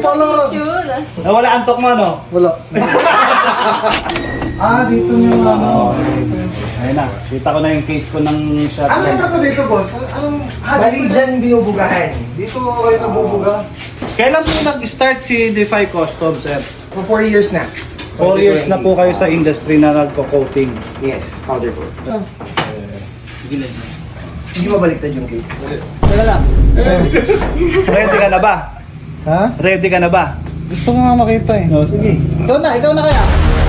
pala. Nawala antok mo, no? Wala. Dito yung ano. Ayun na, kita ko na yung case ko ng shotgun. Ano na to dito, boss? Anong Bali dyan binubugahan. Dito kayo nabubuga? Kailan po nag-start si Defy Customs, sir? For 4 years na. 4 years na po kayo sa industry na nagko-coating. Yes, powder coat. Gilid. Hindi mabaliktad yung case. Teka lang. Ready ka na ba? Ha? Ready ka na ba? Gusto ko nga makita eh. No, sige. Ikaw na kaya?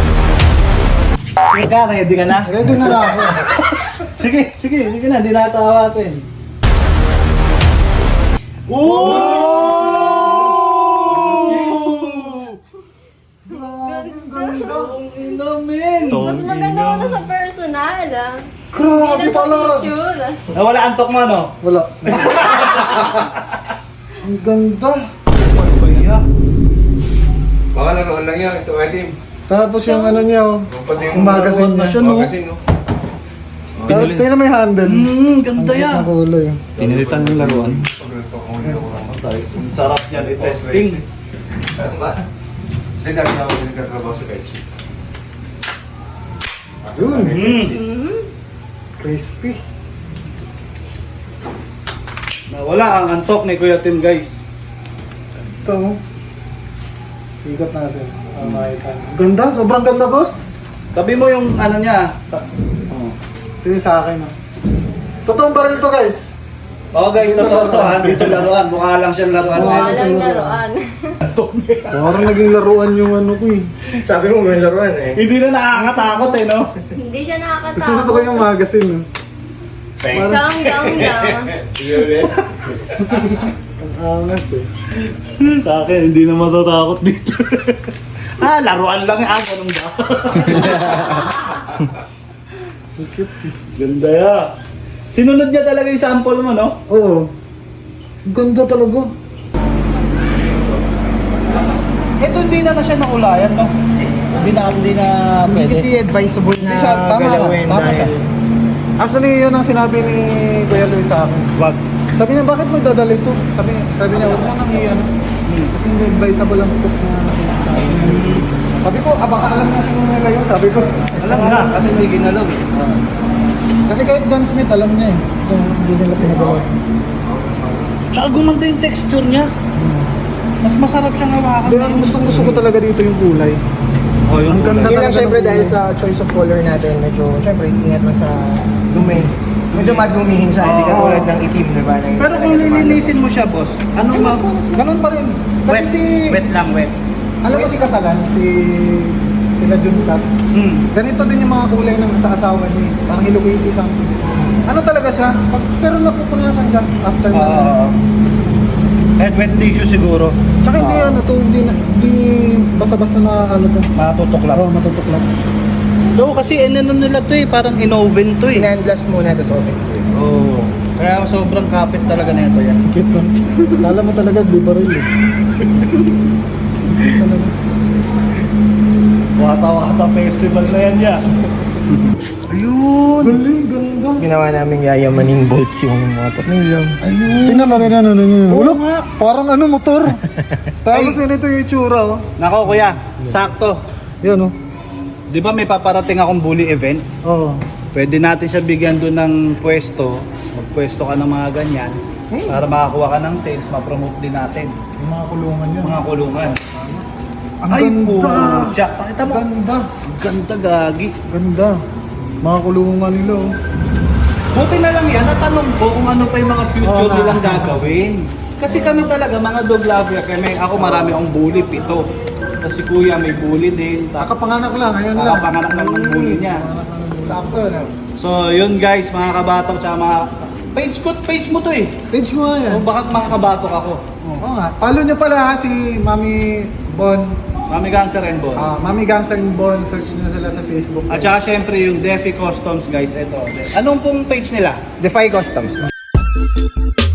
Sige ka, ready ka na? Ready na lang ako. Sige na, hindi natatawatin. Ang inamin! Mas maganda ko na sa personal, ah. Grabe Hindi na sa pala. picture. Nawala antok mo, no? Wala. Ang ganda. Baya. Baka naroon lang yan, ito item. Tapos yung ano niya oh. Pati Yung magazine niya. Siya, no? Magazine, no? Tapos tingnan mo yung handle. Ganda yan. Ang kulay. Pinilitan yung laruan. Pag-rest Ang sarap yan i-testing. Kasi dami na ako nagkatrabaho sa Pepsi. Yun. Mhm. Crispy. Nawala ang antok ni Kuya Tim, guys. Ito. Ikot natin. Makita. Ganda. Sobrang ganda, boss. Tabi mo yung ano niya. Ito yung sa akin. Oh. Totoong baril to, guys. Oo guys, totoo to ha. Dito laruan. Mukha lang siyang laruan. Wala lang laruan. Parang naging laruan yung ano ko eh. Sabi mo may laruan eh. Hindi na nakakatakot eh, no? Hindi siya Gusto ko nakakatakot. yung magazine. Gang, gang, gang. Ang angas eh. Sa akin, hindi na matatakot dito. Laruan lang yan. Ganun ba? Ang cute eh. Ganda ya. Sinunod niya talaga yung sample mo, no? Oo. Ang ganda talaga. Ito hindi na siya nakulayan, no? Hindi na Hindi pwede. kasi advisable na Hindi siya, tama ka, galawin tama dahil... siya. Actually, yun ang sinabi ni Kuya Luis sa akin. Wag. Sabi niya, bakit mo dadala ito? Sabi niya, huwag mo nang i-ano. Kasi hindi advisable ang scope na sabi ko, baka alam na siguro nila yun. Sabi ko, Alam na, kasi hindi ginalaw. kasi kahit gunsmith, alam niya eh. Kung hindi nila pinagawa. Tsaka gumanda yung texture niya. Mas masarap siyang hawakan. Hindi, ang gusto ko talaga dito yung kulay. Oh, yung Ang ganda Yun lang talaga syempre ng dahil kulay. sa choice of color natin, medyo syempre ingat lang sa dumi. Medyo madumihin siya, hindi Oo. katulad ng itim, di ba? Na Pero kung lilinisin mo siya, boss, ano ma... Ganun pa rin. Kasi Wet, si, wet lang, wet. alam mo si Kasalan, sila Juntas. Ganito din yung mga kulay ng sa asawa niya. Eh. Parang Hello Kitty something. Ano talaga siya? Pero napupunasan siya after na. Kahit wet tissue siguro. Tsaka hindi ano to, hindi basta-basta na ano to. Matutuklap. Oo, matutuklap. No, kasi ano nila to eh, parang in-oven to eh. Sinandblast muna, tapos open. Oo. Kaya sobrang kapit talaga na ito yan. Kit na. Kala mo talaga, di ba rin eh. Talaga. Wata-wata festival na yan ya. Ayun! Galing, ganda. Tapos ginawa namin yayamaning bolts yung mga tornilyo. Ayun! Tingnan natin. Wala nga. Parang ano, motor. Tapos yun ito yung itsura oh. Nako kuya, sakto. Yan oh. Di ba may paparating akong bully event? Oo. Pwede natin siya bigyan doon ng pwesto. Magpwesto ka ng mga ganyan. Para makakuha ka ng sales, ma-promote din natin. Yung mga kulungan yan. Mga kulungan. Ang Ay, ganda! putya. Pakita mo. Ganda! Ang ganda, gagi. Ganda! Mga kulungan nila oh. Buti na lang yan, natanong ko kung ano pa yung mga future Oo, nilang gagawin. Kasi kami talaga, mga dog lover, kami, ako marami akong bully, 7. Tapos si kuya may bully din. Kakapanganak lang, ngayon lang. Kakapanganak lang ng bully niya. Sakto na. So yun guys, mga kabatok, tsaka mga... Page mo to eh. Page mo nga yan. O baka mga kabatok ako. Oo nga. Follow niyo pala ha, si Mami Bon. Mami Gangster and Bon. Mami Gangster Bon. Search nyo sila sa Facebook. At saka syempre yung Defy Customs guys, ito. Anong pong page nila? Defy Customs.